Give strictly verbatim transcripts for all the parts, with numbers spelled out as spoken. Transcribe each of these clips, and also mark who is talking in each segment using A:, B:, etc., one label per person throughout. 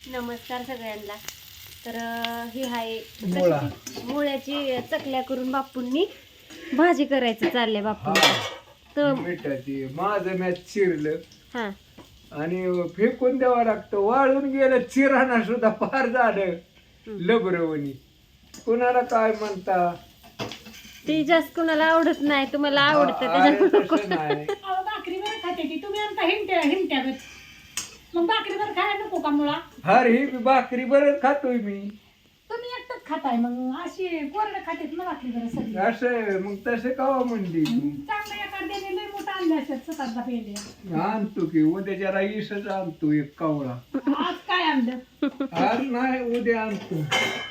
A: नमस्कार सगळ्यांना. तर अं, ही आहे
B: मुळा.
A: कशाची? मुळ्याची चकल्या करून बापूंनी भाजी करायचं चाललंय बापू. तर
B: मिठाची माझं मॅच चिरलं
A: हा
B: आणि फेकून द्यावं लागतं. वाळून गेलं चिराणा सुद्धा फार झालं लबरवणी. कुणाला काय म्हणता
A: ती जास्त कुणाला आवडत नाही, तुम्हाला आवडतं
B: अरे
A: त्याच्यामुळे
B: तसं नाही.
C: अहो, भाकरीवर खाते ती तुम्ही आमचा हिंट्या हिंट्यागत मग भाकरीवर खायला नको का मुळा
B: हर ही बी भाकरी बरं खातोय मी.
C: तुम्ही एकटंच खाताय मग अशी कोरडं खातेत ना भाकरीवर सगळी
B: असं मग तसे कावा म्हणली तू?
C: चांगलं एखाद्याने लय मोठा आणले असतात स्वतःचा पेंडे
B: आणतो की उद्या जरा इसच आणतो एक कावळा.
C: आज काय आणलं
B: आज नाही उद्या आणतो.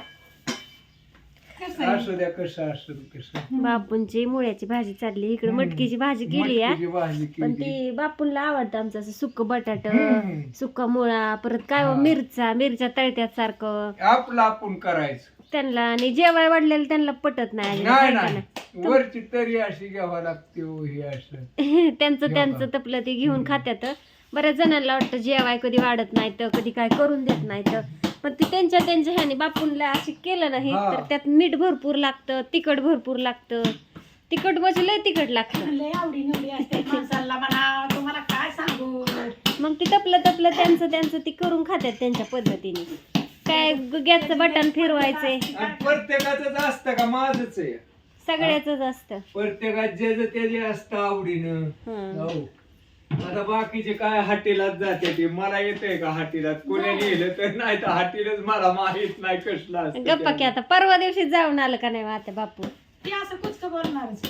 C: कसं आहे
B: असू द्या कसं असू कसं.
A: बापूंची मुळ्याची भाजी चालली. इकडे
B: हम्म.
A: मटकीची भाजी केली
B: मटकीची भाजी
A: पण
B: केली.
A: ती बापूंला आवडतं आमचं असं सुक्क बटाट,
B: हम्म.
A: सुक्का मुळा, परत काय हो,
B: हा.
A: मिरच्या मिरच्या तळत्यात सारखं
B: आपलं आपण करायचं.
A: त्यांना. आणि जेवाय वाढलेलं त्यांना पटत नाही अजिबात,
B: नाही
A: आहे का
B: नाही वरची तरी अशी घ्यावा लागते हो हे असं.
A: नाही? त्यांचं
B: जेवा.
A: त्यांचं तपलं ते घेऊन
B: हम्म.
A: खात्यात. बऱ्याच जणांना वाटतं जेवाय कधी वाढत नाही तर कधी काय करून देत नाही तर, पण ते त्यांच्या त्यांच्या ह्याने बापूंला अशी केलं नाही
B: हा.
A: तर त्यात मीठ भरपूर लागतं, तिखट भरपूर लागतं. तिखट म्हणजे लय तिखट लागतं.
C: लय आवडी निवडी असते माणसाला म्हणा तुम्हाला काय सांगू
A: मग ती तपलं तपलं त्यांचं त्यांचं ती करून खात्यात त्यांच्या पद्धतीने. काय गॅसचं बटन फिरवायचंय
B: आणि प्रत्येकाच असतं का? माझच आहे.
A: सगळ्याच असतं.
B: प्रत्येकात जे जे ते जे असतं आवडीनं.
A: हं.
B: हो. आता बाकीचे काय हाटीलाच जाते ते. मला येतंय का हाटीलात? कोणी नेलं तर नाही तर हाटीलच मला माहित नाही कसलं असतं
A: गप्पा की
B: ते.
A: आता परवा दिवशी जाऊन आलं का नाही आता बापू?
C: ती असं कुचक बोलणारच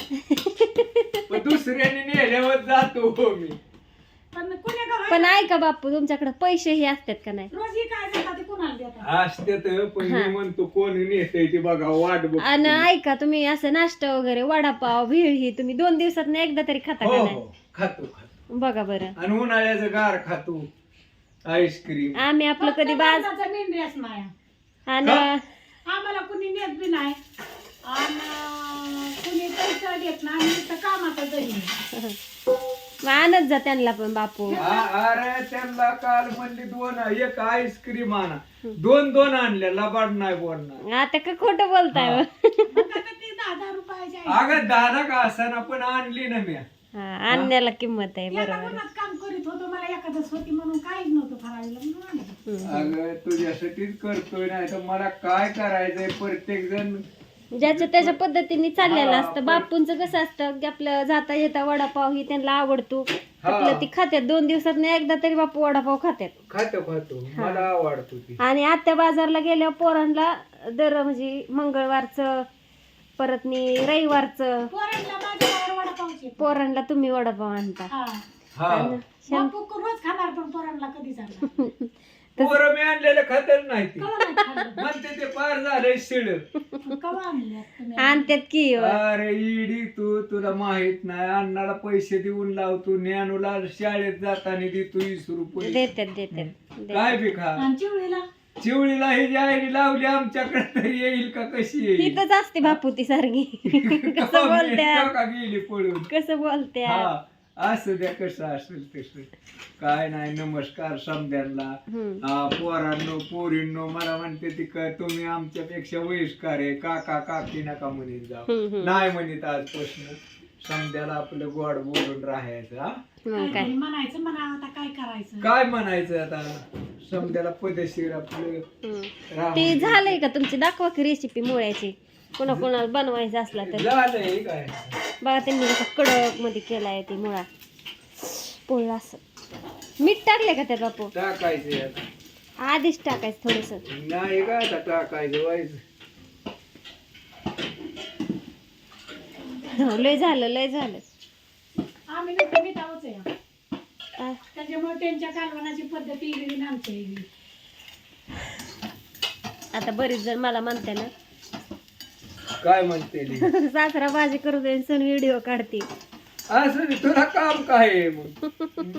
B: पण दुसऱ्याने नेल्यावर जातो हो मी.
C: पण कुण्या का
A: पण ऐका बापू, तुमच्याकडे पैसेही असतात का नाही?
C: रोज ही काय देतात ते कुणाला देतात
B: असते तर पण
A: हा.
B: मी म्हणतो कोण नेतय ते बघा वाट बघ.
A: आणि ऐका, तुम्ही असं नाश्ता वगैरे वडापाव भेळ ही तुम्ही दोन दिवसात एकदा तरी खाता
B: हो
A: का
B: हो
A: नाही?
B: खातो खातो.
A: बघा बरं.
B: आणि उन्हाळ्याचं गार खातो आईस्क्रीम.
A: आम्ही आपलं कधी बाज
C: माणसाचा मेंढ्याच नाही
A: आणि
C: आम्हाला कुणी नेत बी नाही आणि कुणी पैसा देत नाही आम्ही तर कामाचा जरी
A: आणत जा त्यांना पण बापू.
B: आ- अरे त्यांना काल म्हणली दोन एक आईस्क्रीम आणा. दोन दोन आणल्या लबाड नाही बोलणार.
A: आता का खोटं बोलताय
B: हा.
A: हो?
C: मग आता ते दहा दहा रुपयाचे आहे.
B: अगं दादा का असाना पण आणली ना मी.
A: हा, आणण्याला किंमत आहे.
C: एका
A: बरोबर आहे.
C: उन्हात काम करीत होतो मला एखादच होती म्हणून काहीच नव्हतं फराळीला म्हणून आणलं.
A: हम्म.
B: अगं तुझ्यासाठीच करतोय नाही तर मला काय करायचंय. प्रत्येक जण
A: ज्याच्या त्याच्या पद्धतीने चाललेलं
B: हा,
A: असतं.
B: पण-
A: बापूंचं कसं असतं की आपलं जाता येता वडापाव ही त्यांना आवडतो.
B: हा.
A: आपलं ती खात्यात दोन दिवसात एकदा तरी बापू वडापाव खात्यात.
B: खातो खातो मला आवडतो ती.
A: आणि आत्या बाजारला गेल्यावर पोरांना दर म्हणजे मंगळवारचं परत नी रविवारचं
C: पोरांना माझ्या बाहेर वडापावचे
A: पोरांना तुम्ही वडापाव आणता.
C: हा
B: हा
C: बापू रोज खाणार पण पोरांना कधी जाणार
B: पोरं मी आणलेलं खातच नाही ती.
C: कवा नाही खाल्लं
B: म्हणते ते पार झालंय शिळ.
C: मग कवा आणले तुम्ही
A: आणतात की
B: अरे इडी तू तुला माहित नाही. अण्णाला पैसे देऊन लावतो. ज्ञानूला शाळेत जाताना देतो वीस रुपये.
A: देतात देतात
B: काय बी खा.
C: आणि चिवळीला
B: चिवळीला ही जी आईने लावली आमच्याकडे तरी येईल का कशी येईल?
A: हिथंच असते बापू ती सारखी. कसं बोलत्या
B: का गेली पळून.
A: कसं बोलत्या.
B: हा असू द्या कसं असेल तसं. काय नाही. नमस्कार समद्यांना.
A: हम्म.
B: हा, पोरांनो पोरींनो मला म्हणते ती का तुम्ही आमच्यापेक्षा वयस्कार आहे. काका काकी नका म्हणत जाऊ.
A: हम्म, हम्म.
B: नाही म्हणत आजपासून. समद्याला आपलं गोड बोलून राहायचं. हा
A: मग काय.
C: काहीतरी म्हणायचं म्हणा आता काय करायचं
B: काय म्हणायचं आता. समद्याला पदेशीर आपलं
A: हम्म.
B: राहून
A: ती झालंय का तुमची? दाखवा की रेसिपी मुळ्याची. कोणा कोणाला बनवायचं असला तर
B: झालंय काय.
A: बघा त्यांनी कसं कडक मध्ये केलाय ती मुळा पोळला असं. मीठ टाकले का त्यात बापू?
B: टाकायचं आता.
A: आधीच टाकायचं थोडस.
B: नाही का आता टाकायचं व्हायचं.
A: लय झालं लय झालं.
C: आम्ही नुसतं मिठावच आहे
A: आ,
C: त्याच्यामुळे त्यांच्या कालवणाची पद्धती वेगळी आणि आमची वेगळी
A: आता बरीच जण मला म्हणते ना
B: काय म्हणते ती?
A: सासरा भाजी करू दे सण व्हिडिओ काढते.
B: असं नाही, तुला काम काय आहे मग?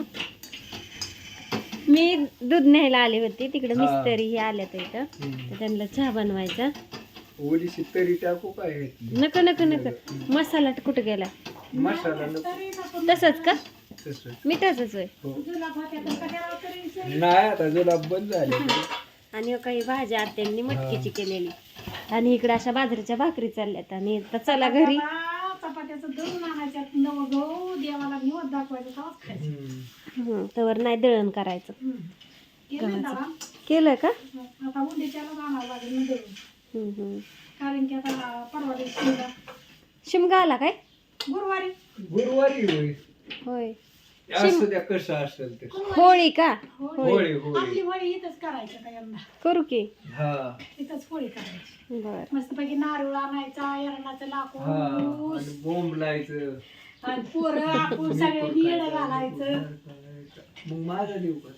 A: मी दूध न्यायला आली होती तिकडे.
B: हा.
A: मिस्त्री हे आल्या तर इथं तर त्यांना चहा बनवायचा.
B: ओलीशी तरी टाकू काय?
A: नको नको नको. मसाला कुठं गेला?
B: मसाला नको.
C: तरी नको.
A: तसंच का?
B: तसं
A: मिठाचंच होय.
B: हो.
C: जुलाब होत्या तर कशाला तरी सरी.
B: नाही आता जुलाब बंद झाले
A: आणि हो काही भाज्या आत्यांनी मटकीची केलेली आणि इकडे अशा बाजरीच्या भाकरी चालल्यात आणि आता चला घरी.
C: चपात्या- चपात्याचं दळून आणायच्यात नवं गहू देवाला निवड दाखवायचं तेव्हाच खायचं.
A: हं, तवर नाही दळण करायचं.
C: हम्म. केलं दळण.
A: केलं का?
C: आता उद्याच्याला आणावं लागेल ना दळून.
A: हं, हं.
C: कारण की आता परवा दिवशी शिमगा.
A: शिमगा आला काय?
C: गुरुवारी
B: गुरुवारी होय
A: होय.
B: असं द्या कसं असेल ते
A: होळी का?
C: होळी.
B: होळी होळी
C: आपली होळी इथंच करायचं का यंदा.
A: करू की.
B: हा
C: इथंच होळी करायची.
A: बर.
C: मस्तपैकी नारळ आणायचा एरणाचं
B: हा
C: लाकूड
B: आणि बोंब लायचं
C: आणि पोरं आपण सगळ्यांनी येडं घालायचं.
B: मग माझा देऊ का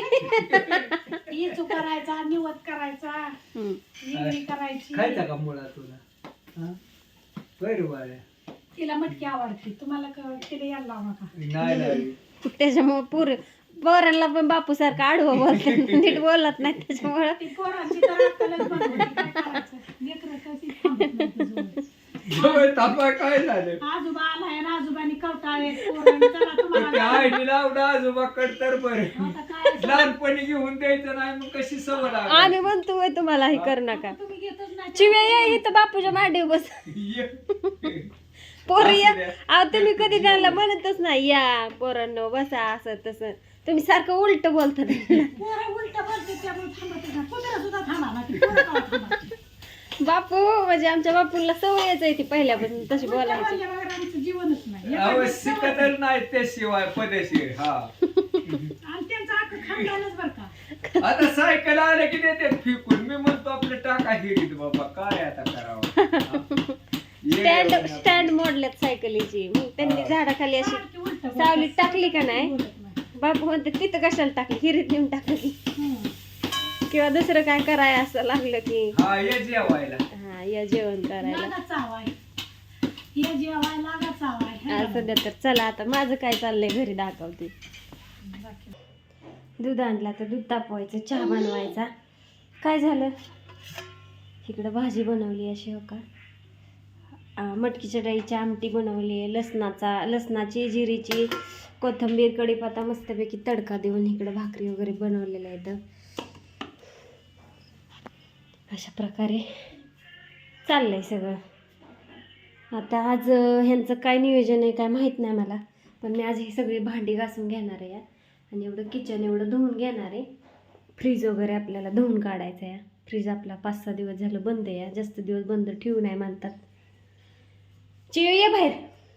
B: तू?
C: इचू करायचा निवत करायचा
A: हं.
C: विक्री करायची.
B: खायचा का मुळा तुला हा बरं बाळ्या
C: तिला मटकी आवडते तुम्हाला क- तिला यायला लावू नका.
B: नाही नाही
A: त्याच्यामुळे पुर पोरांना पण बापू सारखं आडवं बोलतात नीट बोलत नाही त्याच्यामुळं.
C: ती पोरांची तर अक्कलच बंद होती. काय करायचं लेकरं कशी थांबत नाहीत जवळ.
B: जवळ तापा काय झालं
C: आजोबा आलाय आणि आजोबांनी कवटाळे पोरांनी चला
B: ते
C: तुम्हाला
B: आईने लावलं आजोबाकडे तर बरं
C: आता काय
B: लहानपणी घेऊन द्यायचं नाही मग कशी सवय लागली?
A: आम्ही म्हणतो "होय, तुम्हाला हे कर नका."
C: तुम्ही घेतच नाही.
A: चिवे ये इथं बापूच्या मांडीवर बस.
B: ये.
A: पोरं या
B: असू द्या.
A: अहो तुम्ही कधी त्यांना म्हणतच नाही या पोरांनो बसा असं तसं. तुम्ही सारखं उलट बोलता त्यांना.
C: पोरं उलट बोलते त्यामुळे थांबतच नाही. कुत्रा सुद्धा थांबा ना ती पोरं का थांबायची?
A: बापू म्हणजे आमच्या बापूला सवयच आहे ती पहिल्यापासून तशी
C: उलटं
A: बोलायची.
C: बोलल्याबरोबर आमचं जीवनच नाही.
B: अहो
C: एखादी सवय-
B: शिकतच नाही त्याशिवाय पदेशीर हा
C: आणि त्यांचं अख्खं खानदानच बरं का.
B: आता सायकल आलं की देतात फिकून मी म्हणतो आपलं टाका हिरीत बाबा काय आता करावं
A: स्टँड स्टँड मोडल्यात सायकलीची मग त्यांनी झाडाखाली अशी
C: सारखी उलटं बोलतात.
A: सावलीत टाकली का नाही
C: बोलत नाही.
A: बापू म्हणते तिथं कशाला टाकली हिरीत नेऊन टाकली
C: हम्म.
A: किंवा दुसरं काय कराय असं लागलं की
B: हा ये जेवायला
A: हा या जेवण करायला.
C: लागा चावाय. हे जेवाय लागा चावाय. है
A: आज
C: ना?
A: सध्या तर चला आता माझं काय चाललंय घरी दाखवते.
C: बाकी.
A: दूध आणला तर दूध तापवायचं चहा बनवायचा. काय झालं इकडं भाजी बनवली अशी हो का अं, मटकीच्या डाळीची आमटी बनवली आहे लसणाचा लसणाची जिरीची कोथिंबीर कढीपत्ता मस्तपैकी तडका देऊन इकडं भाकरी वगैरे बनवलेल्या आहेत. अशा प्रकारे चाललंय सगळं. आता आज अं, ह्यांचं काय नियोजन आहे काय माहीत नाही मला पण मी आज ही सगळी भांडी घासून घेणार आहे आणि एवढं किचन एवढं धुवून घेणार आहे. फ्रीज वगैरे आपल्याला धुवून काढायचं आहे. फ्रीज आपला पाच सहा दिवस झालं बंद आहे. जास्त दिवस बंद ठेवू नाही म्हणतात. चिव ये बाहेर.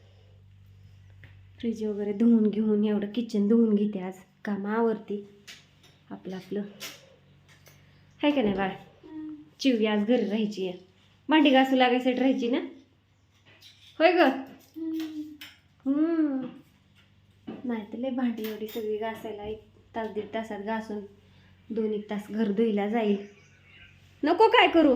A: फ्रीज वगैरे धुवून घेऊन एवढं किचन धुवून घेते आज काम आवरते आपलं आपलं आहे का नाही बाळ. चिवी आज घरी राहायची आहे भांडी घासू लागायसाठी राहायची ना होय ग. हम्म नाही तर लय भांडी एवढी सगळी घासायला एक तास दीड तासात घासून दोन एक तास घर धुईला जाईल. नको काय करू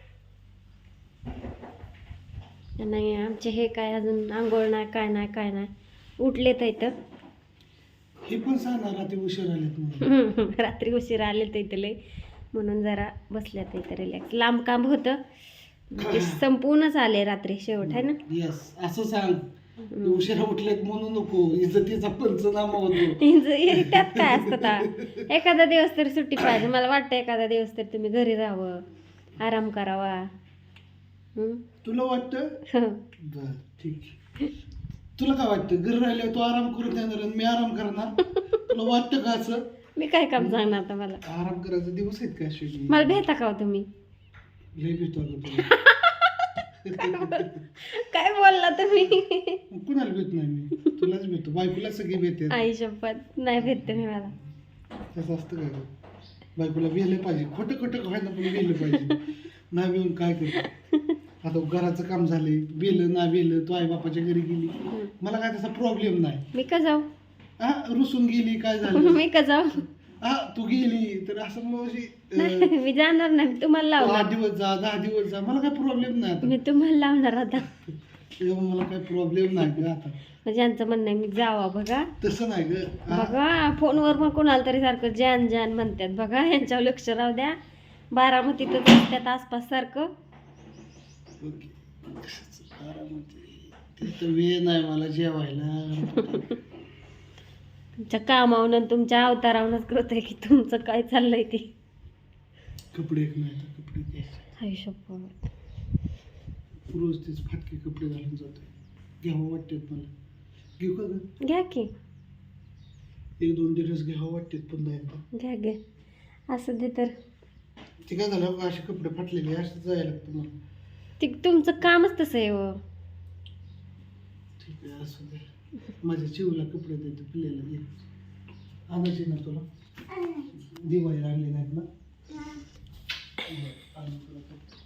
A: नाही आमचे हे काय अजून आंघोळ नाही काय नाही काय नाही उठले तर इथं
D: हे पण सांगणार रात्री उशीर आलेत म्हणून.
A: रात्री उशीर आले तर इथं लय म्हणून जरा बसल्यात इथं रिलॅक्स. लांब काम होतं ते संपूर्णच आले रात्री शेवट आहे ना.
D: येस असं सांग उशिरा उठलेत म्हणू नको इज्जतीचा पंचनामा होतो.
A: हिंज- त्यात काय असतं आता एखादा दिवस तरी सुट्टी पाहिजे. मला वाटतं एखादा दिवस तरी तुम्ही घरी राहावं आराम करावा. हम्म?
D: तुला वाटतं बर ठीक आहे. तुला काय वाटतं घरी राहिल्यावर तू आराम करून देणार आणि मी आराम करणार तुला वाटतं का असं.
A: मी काय काम सांगणार आता मला
D: आराम करायचे दिवस आहेत का अश्विनी.
A: मला भेटा का हो तुम्ही
D: लय भेटतो अगं तुला.
A: काय बोलला तुम्ही.
D: मग कुणाला भेट नाही मी तुलाच भेटतो बायकोला सगळी भेटते.
A: आई शपथ नाही भेटते मी मला.
D: तसं असतं काय गं? बायकोला भेलं पाहिजे खोटं खोटं व्हायला पण भेलं पाहिजे. नाही भेऊन काय करतो आता घराचं काम झालंय बेलं ना बेलं तू आई बापाच्या घरी गेली मला काय तसा प्रॉब्लेम नाही.
A: मी का जाऊ
D: हा रुसून गेली काय झालं
A: मी का जाऊ
D: हा तू गेली तर असं मग अशी, अं,
A: मी जाणार नाही मी तुम्हाला
D: तू
A: लावणार.
D: आठ दिवस जा दहा दिवस जा मला काय प्रॉब्लेम नाही आता.
A: मी तुम्हाला लावणार आता.
D: त्याच्यामुळे मला काय प्रॉब्लेम नाही ग आता.
A: म्हणजे यांचं म्हणणं आहे मी जावा बघा
D: तसं नाही ग हा,
A: बघा फोनवर मग कोणाला तरी सारखं जान जान म्हणतात बघा यांच्यावर लक्ष राहू द्या. बारामतीतच असतात आसपास सारखं.
D: ओके. कशाचं आराम होते. तिथं वेळ नाही मला जेवायला
A: तुमच्या कामावरून तुमच्या अवतारावरूनच कळतंय की तुमचं काय चाललंय ते.
D: कपडे एक नाही तर कपडे घ्यायचे.
A: हाय शपथ.
D: रोज तेच फाटके कपडे घालून जातोय. घ्यावं वाटतात मला. घेऊ का ग?
A: घ्या की,
D: एक दोन दिवस घ्यावं वाटतात पुन्हा एकदा.
A: घ्या घ्या असं दे तर.
D: ते काय झालं असे कपडे फाटलेले असं जायला लागतं मला.
A: ते तुमचं कामच तसं आहे हो.
D: ठीक आहे असं दे. माझ्या चिवला कपडे देतो पिल्लेला दे. आणायचे ना तुला दिवाळी आणले नाहीत ना. आणू तुला कपडे.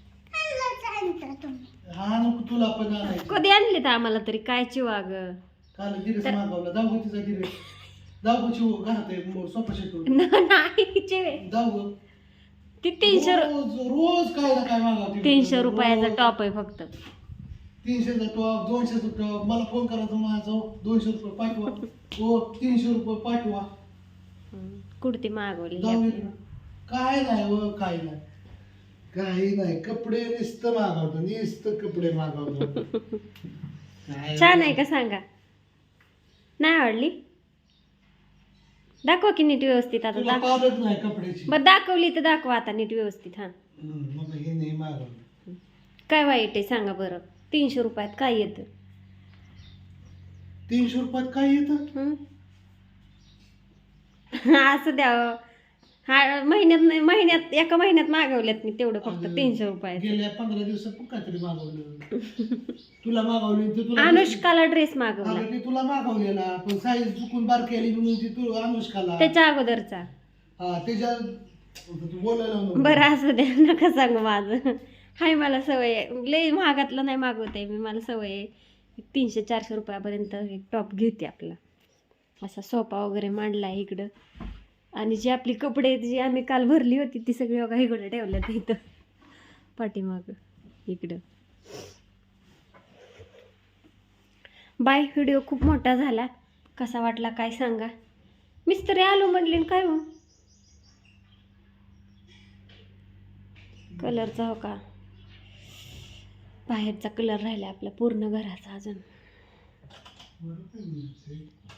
D: हा नको तुला पण आणायचे.
A: कधी आणले तर आम्हाला तरी काय चिवा ग.
D: काल गिरेस मागवला जाऊ गं तिचा गिरेस. जाऊ गं चिव घरात आहे सोफा सेटवर.
A: नाही चिवे,
D: जाऊ गं.
A: ती तीनशे रु-
D: रोज रोज काय ना काय मागवते.
A: तीनशे रुपयाचा
D: रोज.
A: टॉप आहे फक्त.
D: तीनशेचा टॉप दोनशेचा टॉप मला फोन करायचा माझा दोनशे रुपये पाठवा. हो तीनशे रुपये पाठवा.
A: कुर्ती मागवली
D: जाऊ दे ना. काय नाही हो काय नाही काही नाही कपडे नुसतं मागवतो नुसतं कपडे मागवतो. काय
A: छान आहे का सांगा. नाही आवडली? दाखवा की नीट व्यवस्थित. आता
D: तुला
A: दाख
D: पावडत नाही कपड्याची.
A: बरं दाखवली तर दाखवा आता नीट व्यवस्थित. हा
D: हम्म, मग हे नाही मागवलं.
A: काय वाईट आहे सांगा बरं. तीनशे रुपयात काय येतं?
D: तीनशे रुपयात काय येतं?
A: हं? असं द्यावं. हा महिन्यात नाही महिन्यात एका महिन्यात मागवल्यात मी तेवढं फक्त
D: अगं,
A: तीनशे रुपयात.
D: गेल्या पंधरा दिवसात पण काहीतरी मागवलं. तुला मागवली ते तुला
A: अनुष्काला ड्रेस मागवला
D: अगं, ते तुला मागवलेला पण साईज चुकून बारकी आली म्हणून ती तू अनुष्काला.
A: त्याच्या अगोदरचा.
D: हा त्याच्या तू बोलायला नको.
A: बरं असं द्या नका सांगू माझं. हाय मला सवय आहे. लई महागातलं नाही मागवते मी. मला सवय आहे तीनशे चारशे रुपयापर्यंत एक टॉप घेते आपला. असा सोफा वगैरे मांडला आहे इकडं. आणि जी आपली कपडे जी आम्ही काल भरली होती ती सगळी बघा इकडं ठेवल्यात इथं पाठीमागं इकडं. बाय. व्हिडिओ खूप मोठा झाला. कसा वाटला काय सांगा. मिस्त्री आलो म्हणले न काय हो कलरचा हो का. बाहेरचा कलर राहिला आपला पूर्ण घराचा अजून.
D: बरं काय बोलते?